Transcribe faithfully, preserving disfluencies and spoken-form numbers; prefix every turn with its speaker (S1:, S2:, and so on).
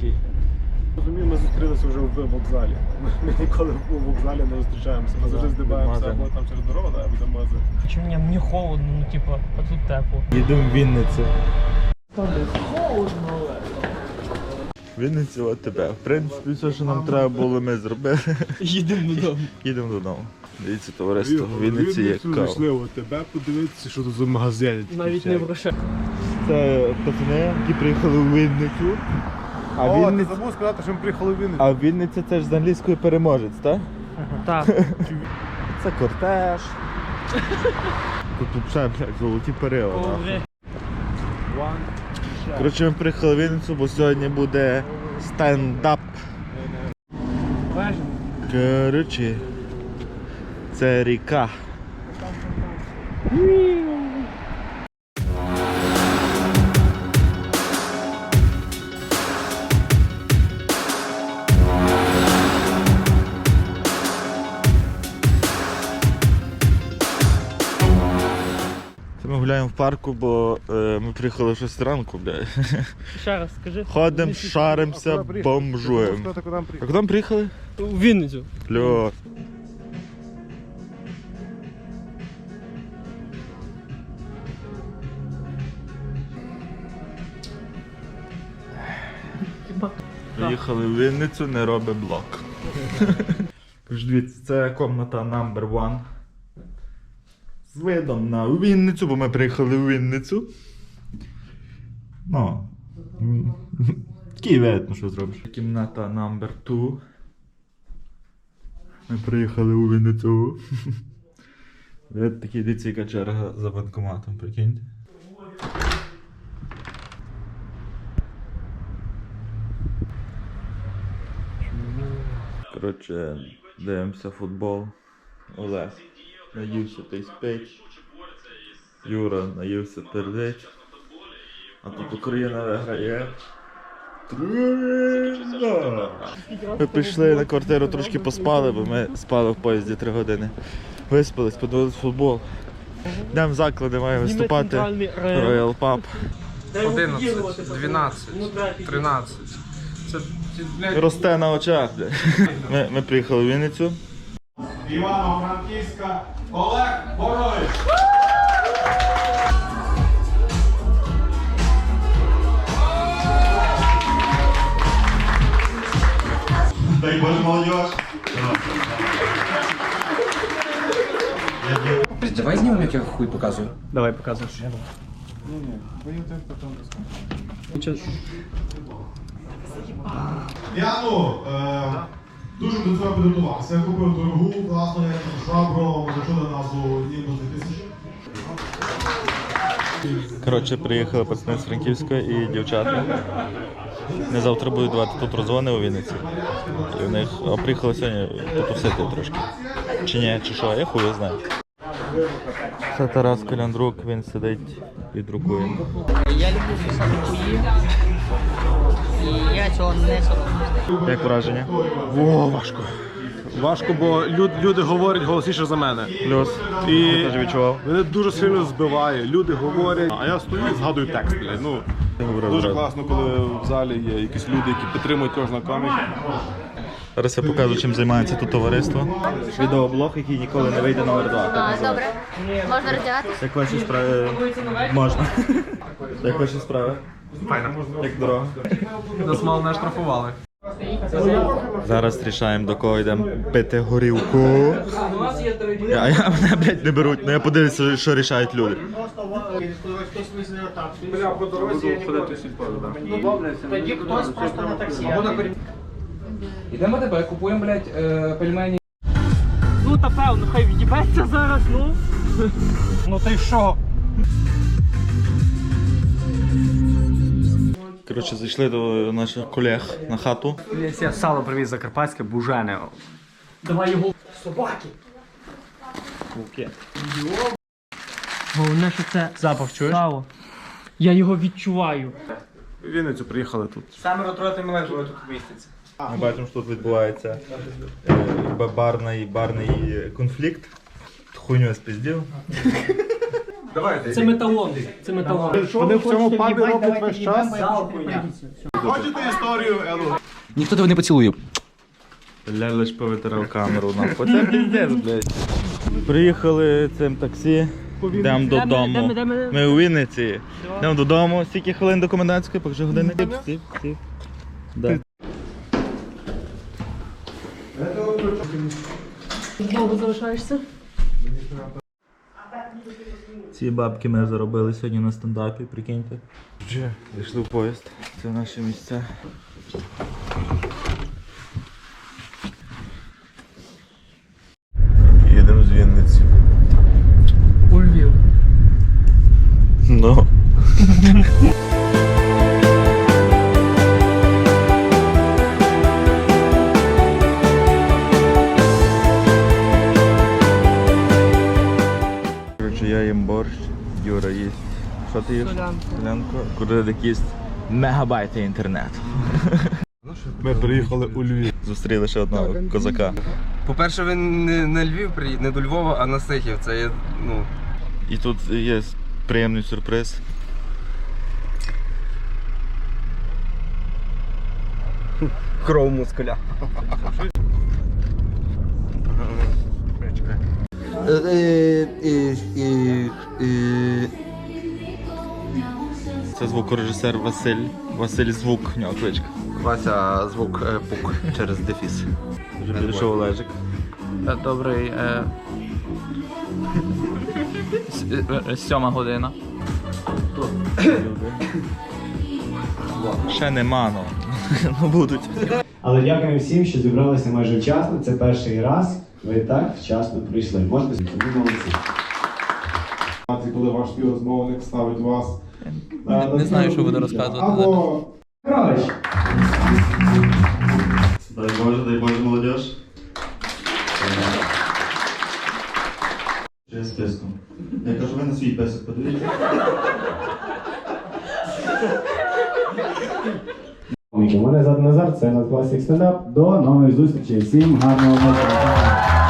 S1: такий.
S2: Розумію, ми зустрілися вже в вокзалі. Ми ніколи в вокзалі не зустрічаємося. Ми завжди здибаємося або там через дорогу, або до магазину.
S1: Чому мені, мені холодно, ну типа, а тут тепло.
S3: Їдемо в Вінницю.
S1: Холодно.
S3: Вінницю от тебе. В принципі, все, що нам треба було, ми зробили.
S1: Їдемо додому.
S3: Їдемо додому. Дивіться, товариство, в Вінниці є кава.
S2: Зайшли тебе подивитися, що тут за магазин.
S1: Навіть не в грошах.
S3: Це пацани, які приїхали в Вінницю. А
S2: О,
S3: Вінниця...
S2: ти забув сказати, що ми приїхали в Вінницю.
S3: А Вінниця це ж з англійської переможець, так?
S1: Так.
S3: Це кортеж. Тут взагалі, блядь, золоті перила. нахуй. Коротше, ми приїхали в Вінницю, бо сьогодні буде стендап. Коротше, це ріка. Це ми гуляємо в парку, бо е, ми приїхали в шість ранку, блядь.
S1: Ще раз скажи.
S3: Ходимо, шаримося, бомжуємо. А куди ми приїхали?
S1: У Вінницю.
S3: Кльос. Приїхали в Вінницю, не робить блок. Тож дивіться, це комната номер один. З видом на Вінницю, бо ми приїхали в Вінницю. Ну, такий вид, ну що зробиш. Кімната номер два. Ми приїхали у Вінницю. Вид такий, дивіться, яка черга за банкоматом, прикиньте. Коротше, дивимося футбол. Олег наївся та й спить. Юра наївся пердить. А тут Україна виграє. три-нуль. Ми прийшли на квартиру, трошки поспали, бо ми спали в поїзді три години. Виспались, подивились футбол. Йдемо в заклади, має виступати Royal Pub.
S4: одинадцять, дванадцять, тринадцять. Це, блядь,
S3: Росте на очах. Ми, ми приїхали в Вінницю.
S2: Івано-Франківська Олег Борович.
S3: Дай Боже, молодежь.
S4: давай знімемо, як я хуй показую.
S1: Давай показуй.
S5: Я ну, е, дуже до цього підготувався. Я купив дорогу, класну швабру, зачули назву Німбус дві тисячі.
S3: Коротше, приїхали пацани з Франківська і дівчата. Вони завтра будуть давати тут розвони у Вінниці. І в них а приїхали сьогодні потусити трошки. Чи ні, чи що, я хуй знаю. Це Тарас Коляндрук, він сидить і друкує.
S6: Я люблю писати хуї, і я цього не соромлюсь.
S3: Як враження?
S2: Во, важко. Важко, бо люд, люди говорять голосніше за мене.
S3: Плюс.
S2: І
S3: Я теж відчував.
S2: мене дуже сильно збиває. Люди говорять, а я стою і згадую текст. Блядь. Ну, дуже класно, коли в залі є якісь люди, які підтримують кожного коміка.
S3: Зараз я покажу, чим займається тут товариство. Відеоблог, який ніколи не вийде на О Р два.
S7: А, добре. Можна роздягатися?
S3: Як ваші справи? Можна. Як ваші справи?
S4: Файно.
S3: Як дорога?
S4: Нас мало не штрафували.
S3: Зараз рішаємо, до кого йдемо пити горілку. А я, мене, блядь, не беруть, ну я подивлюся, що рішають люди.
S6: Тоді хтось просто на таксі.
S4: Ідемо тебе, купуємо, блядь, е, пельмені.
S1: Ну та певно, хай від'їбеться зараз, ну. Ну ти що?
S3: Коротше, зайшли до наших колег на хату.
S8: Я сало привіз закарпатське, бужене.
S1: Давай його. Собаки. Головне, що це
S8: Запах чуєш?
S1: сало. Я його відчуваю.
S2: В Вінницю приїхали тут.
S8: Саме ротувати мележ, тут міститься.
S3: Ми бачимо, що тут відбувається е, барний, барний конфлікт. Хуйню я спіздів.
S1: Це металон. Це металон.
S2: Вони в цьому пабі роблять весь час. Хочете історію, Елу?
S4: Ніхто тебе не поцілує.
S3: Бля, лиш повитирав камеру. Нахуй. Це піздець, блядь. Приїхали цим таксі. Йдемо додому. Ми у Вінниці. Йдемо додому. Скільки хвилин до комендантської? Покажи години. Стів, стів, стів. Да.
S6: Довго залишаєшся?
S3: Ці бабки ми заробили сьогодні на стендапі, прикиньте. Вже зайшли в поїзд. Це наші місця. Їдемо з Вінниці.
S1: У Львів.
S3: Ну. Коротше, я їм борщ, Юра їсть. Що ти їш?
S1: Солянку.
S3: Солянку. Куди їсть мегабайти інтернету.
S2: Ми приїхали у Львів.
S3: Зустріли ще одного козака.
S8: По-перше, ви не на Львів приїдете, не до Львова, а на Сихів. Це є, ну...
S3: І тут є приємний сюрприз.
S8: Кров мускуля.
S3: Це звукорежисер Василь. Василь Звук, в нього кличка.
S8: Вася звук е, пук через дефіс.
S3: Вже підійшов Олежик.
S6: Добрий. Е... Сьома година.
S3: Ще нема, ну. Ну будуть.
S9: Але дякуємо всім, що зібралися майже вчасно. Це перший раз. Ви так вчасно прийшли. Можете собі молодці.
S2: Коли ваш співрозмовник ставить вас.
S6: Не, не знаю, що буду розказувати.
S2: Або
S9: Гралич.
S3: Дай Боже, дай Боже, молодіж. Чи списком. Я кажу, ви на свій песик подивіться.
S9: Мене звати Назар, це Надкласік стендап. До нових зустрічей. Всім гарного вечора.